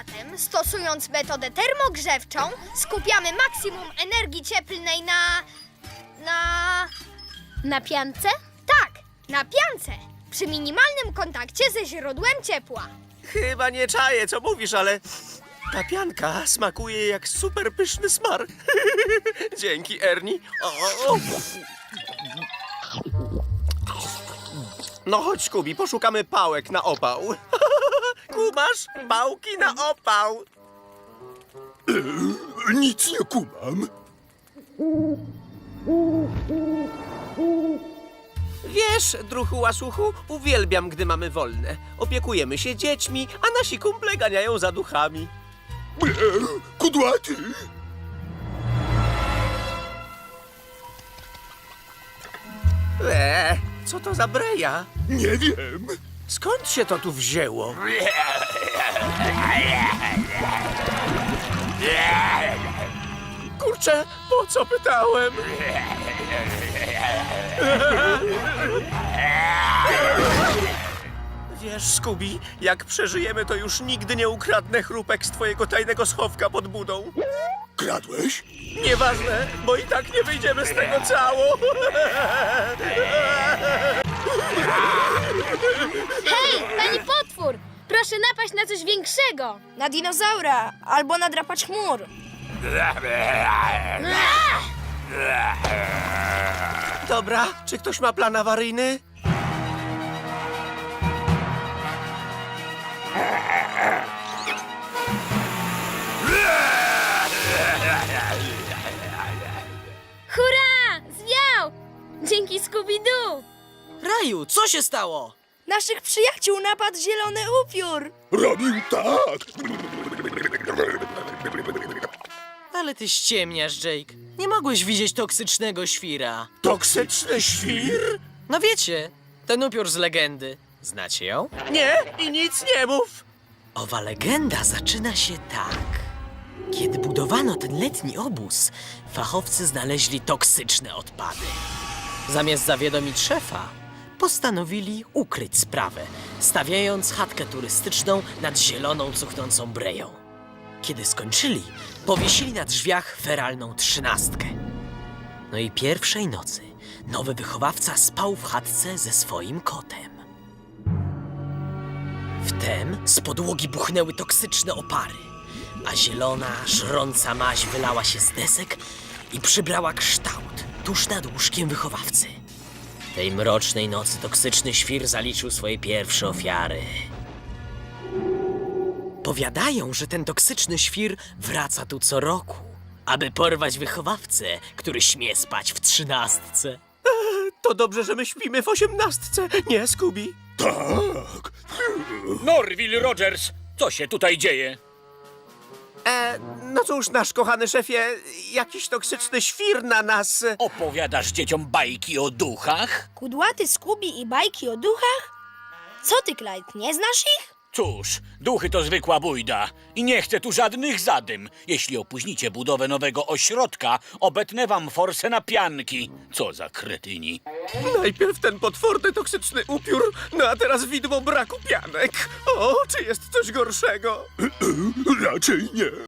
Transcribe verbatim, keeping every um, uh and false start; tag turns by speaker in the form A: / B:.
A: Zatem, stosując metodę termogrzewczą, skupiamy maksimum energii cieplnej na... na...
B: Na piance?
A: tak, na piance, przy minimalnym kontakcie ze źródłem ciepła.
C: Chyba nie czaję, co mówisz, ale ta pianka smakuje jak super pyszny smar. Dzięki, Ernie. O, o. No chodź, Kubi, poszukamy pałek na opał. Kumasz? Pałki na opał.
D: Nic nie kumam.
C: Wiesz, druhu łasuchu, uwielbiam, gdy mamy wolne. Opiekujemy się dziećmi, a nasi kumple ganiają za duchami.
D: Ble, kudłaty.
C: Eee, co to za breja?
D: Nie wiem.
C: Skąd się to tu wzięło? Kurczę, po co pytałem? Wiesz, Scooby, jak przeżyjemy, to już nigdy nie ukradnę chrupek z twojego tajnego schowka pod budą.
D: Kradłeś?
C: Nieważne, bo i tak nie wyjdziemy z tego cało.
B: Hej, pani potwór! Proszę napaść na coś większego!
E: Na dinozaura albo na drapacz chmur.
C: Dobra, czy ktoś ma plan awaryjny?
B: Hurra! Zwiał! Dzięki Scooby-Doo!
F: Raju, co się stało?
E: Naszych przyjaciół napadł zielony upiór.
D: Robił tak.
F: Ale ty ściemniasz, Jake. Nie mogłeś widzieć toksycznego świra.
C: Toksyczny świr?
F: No wiecie, ten upiór z legendy. Znacie ją?
C: Nie, i nic nie mów.
F: Owa legenda zaczyna się tak. Kiedy budowano ten letni obóz, fachowcy znaleźli toksyczne odpady. Zamiast zawiadomić szefa, postanowili ukryć sprawę, stawiając chatkę turystyczną nad zieloną, cuchnącą breją. Kiedy skończyli, powiesili na drzwiach feralną trzynastkę. No i pierwszej nocy nowy wychowawca spał w chatce ze swoim kotem. Wtem z podłogi buchnęły toksyczne opary, a zielona, żrąca maź wylała się z desek i przybrała kształt tuż nad łóżkiem wychowawcy. Tej mrocznej nocy toksyczny świr zaliczył swoje pierwsze ofiary. Powiadają, że ten toksyczny świr wraca tu co roku, aby porwać wychowawcę, który śmie spać w trzynastce.
C: To dobrze, że my śpimy w osiemnastce, nie, Scooby?
D: Tak.
G: Norville Rogers, co się tutaj dzieje?
C: E, no cóż, nasz kochany szefie, jakiś toksyczny świr na nas...
G: Opowiadasz dzieciom bajki o duchach?
E: Kudłaty, Scooby i bajki o duchach? Co ty, Clyde, nie znasz ich?
G: Cóż, duchy to zwykła bójda i nie chcę tu żadnych zadym. Jeśli opóźnicie budowę nowego ośrodka, obetnę wam forsę na pianki. Co za kretyni.
C: Najpierw ten potworny toksyczny upiór, no a teraz widmo braku pianek. O, czy jest coś gorszego?
D: Raczej nie.